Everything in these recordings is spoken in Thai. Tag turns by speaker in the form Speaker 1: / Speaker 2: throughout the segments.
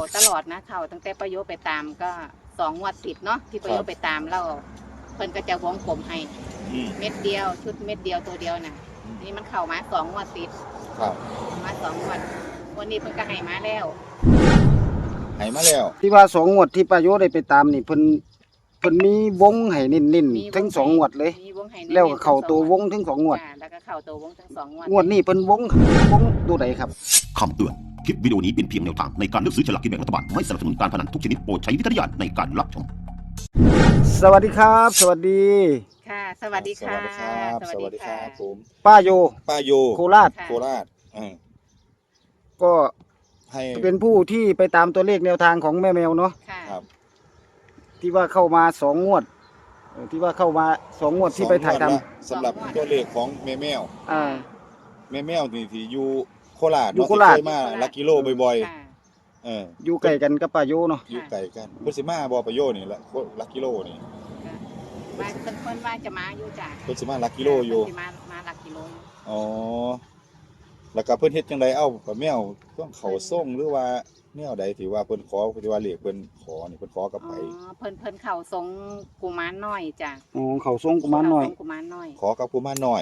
Speaker 1: ตลอดนะเข่าตั้งแต่ประโยชน์ไปตามก็2 งวดติดเนาะที่ประโยชน์ไปตามแล้วเพิ่นก็จะวงกลมให้เม็ดเดียวชุดเม็ดเดียวตัวเดียวน่ะนี่มันเข้ามา2 งวดติด
Speaker 2: ครับ
Speaker 1: มา2 งวดวันนี้เพิ่นก็ให้มาแล้ว
Speaker 3: ที่ว่า2 งวดที่ประโยชน์ได้ไปตามนี่เพิ่นมีวงให้เน้นๆทั้ง2 งวดเลยแล้วก็เข้าตัววงทั้ง2 งวด
Speaker 1: แล้วก็เข้าตัววงทั้ง2 งวด
Speaker 3: งวดนี้เพิ่นวงตัวใดครับ
Speaker 4: คำเตือนคลิปวิดีโอนี้เป็นเพียงแนวทางในการเลือกซื้อฉลากกินแบ่งรัฐบาลไม่สนับสนุนการพนันทุกชนิดโปรดใช้วิจารณญาณในการรับชม
Speaker 3: สวัสดีครับสวัสดี
Speaker 1: ค่ะสวัสดีค่ะ
Speaker 2: สวัสดีครับผม
Speaker 3: ป้าโยโคราชก็ให้เป็นผู้ที่ไปตามตัวเลขแนวทางของแม่แมวเนาะ
Speaker 2: ครับ
Speaker 3: ที่ว่าเข้ามา2 งวดที่ว่าเข้ามา2 งวดที่ไปถ่ายท
Speaker 2: ำสำหรับตัวเลขของแม่แมวนี่ที่อยู่โคราชมาลักกิโลบ่อยๆ
Speaker 3: อยู่ไกลกันกับป้าโยเนาะ
Speaker 2: อยู่ไกลกันเพิ่นสิมาบ่ป้าโยนี่ละลักกิโลนี่
Speaker 1: ว่าเพิ่นว่าจะมาอยู่จ้ะ
Speaker 2: เพิ่นสิมาลักกิโลอยู่
Speaker 1: มาลักกิโล
Speaker 2: อ๋อแล้วก็เพิ่นเฮ็ดจังได๋ป้าแมวต้องเข้าส่งหรือว่าแนวใดที่ว่าเพิ่นขอที่ว่าเลขเพิ่นขอนี่เพิ่นขอกับไผ
Speaker 1: เพิ่นเข้าทรงกุมารน้อยจ้ะ
Speaker 3: เข้าทรงกุมารน้อย
Speaker 2: ขอกับกุมารน้อย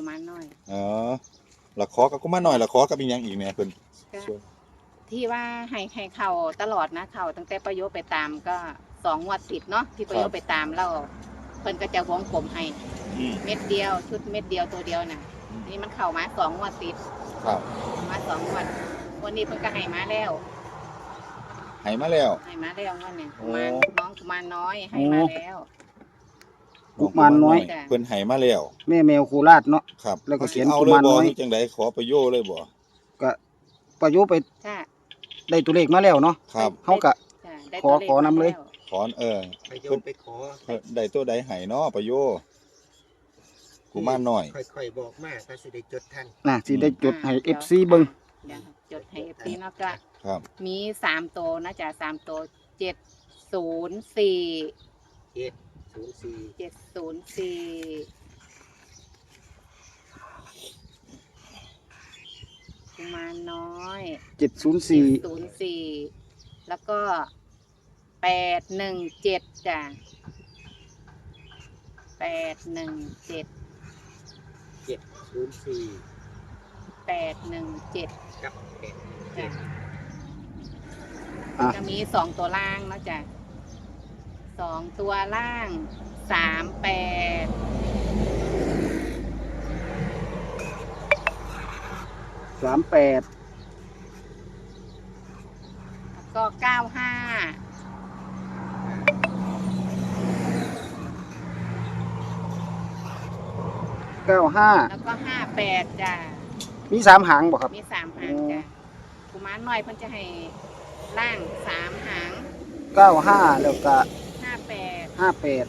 Speaker 2: แล้วขอกับกุมารน้อยแล้วขอกับอีหยังอีกแน่เพิ่น
Speaker 1: ที่ว่าให้เข้าตลอดนะเข้าตั้งแต่ประโยชน์ไปตามก็2 งวดติดเนาะที่ประโยชน์ไปตามแล้วเพิ่นก็จะวงกลมให้เม็ดเดียวชุดเม็ดเดียวตัวเดียวน่ะนี่มันเข้ามา2 งวดติด
Speaker 2: ครับ
Speaker 1: มา2 งวดวันนี้เพิ่นก็ให้มาแล้ว
Speaker 2: งวด
Speaker 1: นี้น้องกุมารน้อยให้มาแล้ว
Speaker 3: กุมารน้อย
Speaker 2: เพิ่นให้มาแล้ว
Speaker 3: แม่แมวโคราชเนาะ
Speaker 2: ครับ
Speaker 3: แล้วก็เขียนกุมารน้อย
Speaker 2: จังได๋ขอประโยชน์เลยบ่
Speaker 3: ก็ประโยชน์ไปได้ตัวเลขมาแล้วเนาะ
Speaker 2: ครับ
Speaker 3: เฮาก็ขอนำเลย
Speaker 2: ขอ
Speaker 5: ประโยชน์ไปขอ
Speaker 2: ได้ตัวใดให้เนาะประโยชน์กุมารน้อย
Speaker 5: ค่อยๆบอกมาถ้าสิได้จดทัน
Speaker 3: สิได้จดให้ FC เบิ่ง
Speaker 1: จดให้ FC เนาะก็มี3ตัวนะจ๊ะ3ตัว704กุมารน้อย704แล้วก็817จ้ะ817
Speaker 5: กับ
Speaker 1: จะมี2 ตัวล่างเนาะจ้ะ2 ตัวล่าง38แล้วก็95แล้วก็58จ้ะ
Speaker 3: มี3 หางบ่ครับ
Speaker 1: มี3 หางจ้ะกุมารน้อยเพิ่นจะให้ล่าง3 หาง
Speaker 3: 95แล้วก็58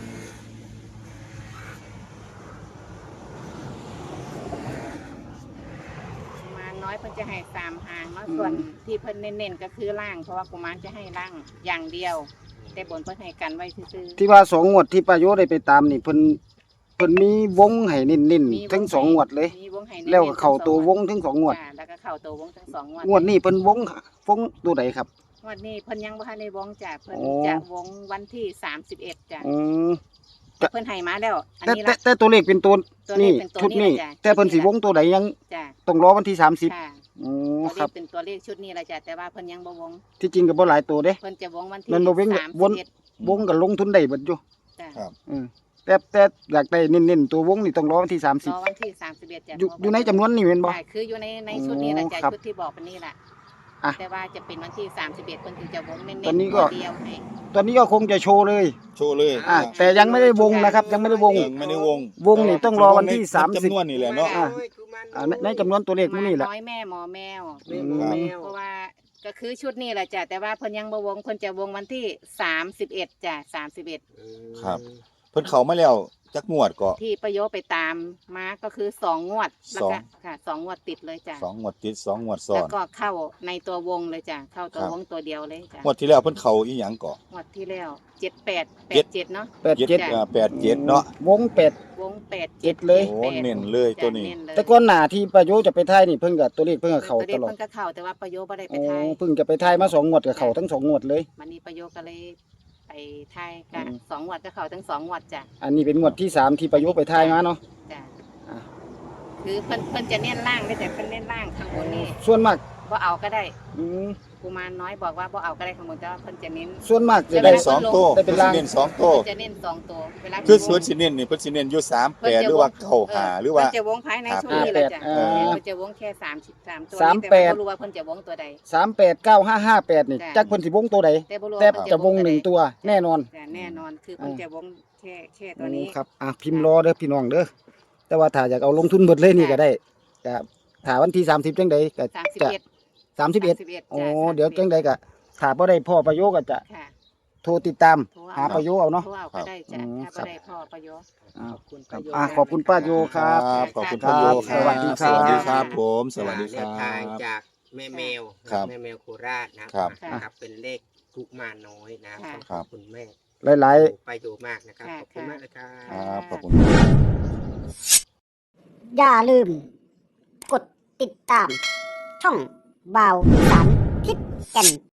Speaker 1: กุมารน้อยเพิ่นจะให้3 หางเนาะส่วนที่เพิ่นเน้นๆก็คือล่างเพราะว่ากุมารจะให้ล่างอย่างเดียวแต่บนเพิ่นให้กันไว้ซื่อ
Speaker 3: ๆที่ว่า2 งวดที่ประโยชน์ได้ไปตามนี่เพิ่นมีวงให้เน้นๆทั้ง2 งวดเลยแล้วก็เข้าตัววงทั้ง2 งวด
Speaker 1: แล้วก็เข้าตัววงทั้ง2 งวด
Speaker 3: งวดนี้เพิ่นวงตัวใดครับ
Speaker 1: งวดนี้เพิ่นยังบ่ทันได้วงจ้ะเพิ่นจะวงวันที่31จ้ะเพิ่นให้มาแล้ว
Speaker 3: อันนี้แต่ตัวเลขเป็นตัวนี้ชุดนี้แต่เพิ่นสิวงตัวใดยังต้องรอวันที่30
Speaker 1: ครับเป็นตัวเลขชุดนี้ล่ะจ้ะแต่ว่าเพิ่นยังบ่วง
Speaker 3: ที่จริงก็บ่หลายตัวเด้
Speaker 1: เพิ่นจะวงวันที่
Speaker 3: 31วงก็ลงทุนได้เบิดอยู่
Speaker 2: ครับ
Speaker 3: แต่อยากได้เน้นๆตัววงนี่ต้องรอวันที่30
Speaker 1: รอวันที่31จ้ะ
Speaker 3: อยู่ในจำนวนนี้แม่นบ่
Speaker 1: คืออยู่ในชุดนี้ล่ะจ้ะชุดที่บอกเป็นนี่ล่ะแต่ว่าจะเป็นวันที่31เพิ่นถึงจะวงเน้นๆตัวเดียวให้
Speaker 3: ตอนนี้ก็คงจะโชว์เลยแต่ยังไม่ได้วงนะครับยังไม่ได้วงนี่ต้องรอวันที่30
Speaker 2: จำนวนนี่แหละเนาะ
Speaker 3: ในจำนวนตัวเลขนี่แหละ
Speaker 1: น้อยแม่หมอแมวเพราะว่าก็คือชุดนี้แหละจ้ะแต่ว่าเพิ่นยังบ่วงเพิ่นจะวงวันที่31จ้ะ31
Speaker 2: ครับเพิ่นเข้ามาแล้วจักงวดก็
Speaker 1: ที่ประโยชน์ไปตามมาก็คือ2 งวดแล้วก็
Speaker 2: สอง
Speaker 1: ค่ะ2 งวดติดเลยจ้ะ
Speaker 2: 2 งวดติด 2 งวดซ้อ
Speaker 1: แล้ว
Speaker 2: น
Speaker 1: ก็เข้าในตัววงเลยจ้ะเข้าตัว
Speaker 2: ครับ
Speaker 1: วงตัวเดียวเลยจ้ะ
Speaker 2: งวดที่แล้วเพิ่นเข้าอีหยังก็
Speaker 1: งวดที่แล้ว7887เนาะ
Speaker 3: 87
Speaker 1: จ้ะ
Speaker 2: 87เนาะ
Speaker 3: วง8
Speaker 1: วง
Speaker 3: เจ็ดเลย
Speaker 2: โอ้เน้นเลยตัวนี้
Speaker 1: จ้ะเเลย
Speaker 3: แต่ก่อนหน้าที่ป้าโยจะไปทายนี่เพิ่นก็ตัวเลขเพิ่นก็เข้า
Speaker 1: ตัว
Speaker 3: ต
Speaker 1: เด็ก
Speaker 3: ลอด
Speaker 1: เพิ่นก็เข้าแต่ว่าประโยชน์บ่ได้ไป
Speaker 3: โอ้
Speaker 1: ทาย
Speaker 3: เพิ่งจะไปทายมา2งวดก็เข้าทั้ง2งวดเลย
Speaker 1: วันนี้ประโยชน์ก็เลยไปทายกั
Speaker 3: อื
Speaker 1: น
Speaker 3: ม
Speaker 1: 2 งวดก็เข้าทั้ง2 งวดจ้ะ
Speaker 3: อันนี้เป็นงวดที่3ที่ป้าโยไปทายมาเนาะ
Speaker 1: จ้ะ
Speaker 3: อ่ะ
Speaker 1: คือเพิ่นจะเน้นล่างได้แต่เพิ่นเน้นล่างข้างบนนี่
Speaker 3: ส่วนมาก
Speaker 1: บ่เอาก็ได้
Speaker 3: อืม
Speaker 1: กุมารน้อยบอกว่าบ่เอาก็ได้ข้างบนแต่ว่าเพิ่นจะเน้น
Speaker 3: ส่วนมากจะ
Speaker 2: ได้
Speaker 3: ได้
Speaker 2: สองโต้
Speaker 3: ได้เป็น
Speaker 2: เพิ่น
Speaker 3: ลาง
Speaker 2: สิเน้น2โต้
Speaker 1: เพิ่นจะเน้น2 ตัวเวลา
Speaker 2: คือส่วนสิเน้นนี่เพิ่นสิเน้นอยู่38หรือว่า95หรือว่า
Speaker 1: เพิ่นจะวงภายในช่วงนี้แหละจ้ะ
Speaker 3: เออ
Speaker 1: เพิ่นจะวงแค่33ตัว
Speaker 3: 38
Speaker 1: แต่ว่าบ่รู้ว่าเพิ่นจะวงตัวใด
Speaker 3: 389558นี่
Speaker 1: จ้ะ
Speaker 3: จักเพิ่นสิวงตัวใด
Speaker 1: แต่บ่รู้
Speaker 3: แต่
Speaker 1: ว่าเพิ่น
Speaker 3: จะวง
Speaker 1: ใด
Speaker 3: 1ตัวแน่นอน
Speaker 1: จ้ะแน่นอนคือเพิ่นจะวงแค่ตัวนี้
Speaker 3: ครับพิมพ์รอเด้อพี่น้องเด้อแต่ว่าถ้าอยากเอาลงทุนเบิดเลยนี่ก็ได้ก็ถ้าวันที่30จังใดก็จะ
Speaker 1: 31
Speaker 3: 31โอ้
Speaker 1: จ้ะ
Speaker 3: เดี๋ยวจังใดก็ถ้าบ่ได้พ่อประโยชน์ก็จะ
Speaker 1: ค่ะ
Speaker 3: โทรติดตาม
Speaker 1: โทร
Speaker 3: หาประโยชน์เอาเนาะ
Speaker 1: โทรเอาก็ได้จ้ะ
Speaker 3: อืม
Speaker 1: ถ้าบ่ได้พ่อประโยชน์
Speaker 3: อ่า
Speaker 5: ขอบคุณประโยช
Speaker 3: ขอบคุณป้าโยครับ
Speaker 2: ขอบคุณ
Speaker 3: ครั
Speaker 2: พ่อบ โย
Speaker 3: สวัสดีครับ
Speaker 2: สวัสดีครับผมสวัสดีค
Speaker 5: แน
Speaker 2: รั
Speaker 5: วทาง
Speaker 2: บ
Speaker 5: จากแม่แมว
Speaker 2: ครับ
Speaker 5: แม่แมวโคราชนะครับ นะครับเป็นเลขทุกมาน้อยนะ
Speaker 1: ค่ะ
Speaker 5: ขอบคุณแม่
Speaker 3: หลาย
Speaker 5: ไปดูมากนะครับ
Speaker 1: ค่ะ
Speaker 5: ขอบคุณมากเลยครั
Speaker 1: ค่ะ
Speaker 5: บ
Speaker 2: ครับขอบคุณ
Speaker 6: อย่าลืม กดติดตาม ช่องบ่าวอีสานทิศแก่น